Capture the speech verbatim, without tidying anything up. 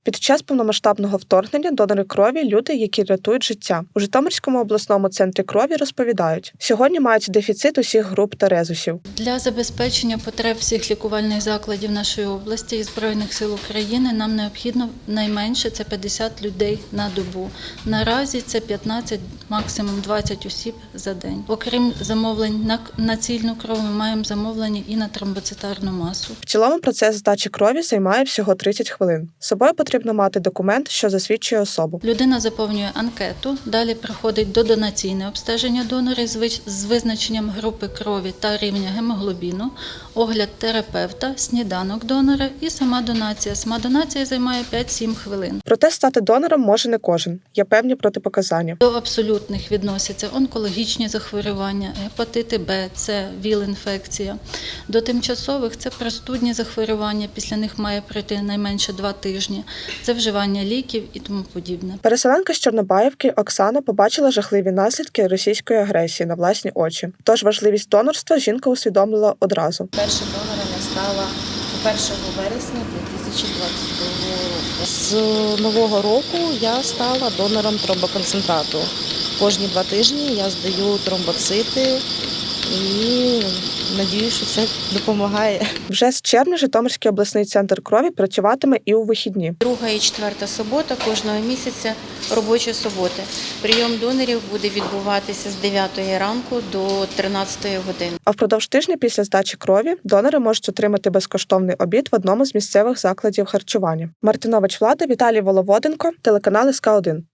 Під час повномасштабного вторгнення донори крові – люди, які рятують життя. У Житомирському обласному центрі крові розповідають, сьогодні мають дефіцит усіх груп та резусів. Для забезпечення потреб всіх лікувальних закладів нашої області і Збройних сил України нам необхідно найменше це п'ятдесят людей на добу. Наразі це п'ятнадцять, максимум двадцять осіб за день. Окрім замовлень на націльну кров, ми маємо замовлення і на тромбоцитарну масу. В цілому процес здачі крові займає всього тридцять хвилин. З собою потрібно мати документ, що засвідчує особу. Людина заповнює анкету, далі приходить до донаційне обстеження донора з визначенням групи крові та рівня гемоглобіну, огляд терапевта, сніданок донора і сама донація. Сама донація займає п'ять-сім хвилин. Проте стати донором може не кожен. Є певні протипоказання. До абсолютних відносяться онкологічні захворювання, гепатити Б, С, ВІЛ-інфекція. До тимчасових – це простудні захворювання, після них має пройти найменше два тижні. Це вживання ліків і тому подібне. Переселенка з Чорнобаївки Оксана побачила жахливі наслідки російської агресії на власні очі. Тож важливість донорства жінка усвідомила одразу. Першим донором я стала першого вересня дві тисячі двадцять другого року. З нового року я стала донором тромбоконцентрату. Кожні два тижні я здаю тромбоцити і надіюсь, що це допомагає. Вже з червня Житомирський обласний центр крові працюватиме і у вихідні. Друга і четверта субота кожного місяця робочі суботи. Прийом донорів буде відбуватися з дев'ятої ранку до тринадцятої години. А впродовж тижня після здачі крові донори можуть отримати безкоштовний обід в одному з місцевих закладів харчування. Мартинович Влада, Віталій Воловоденко, телеканал ес ка один.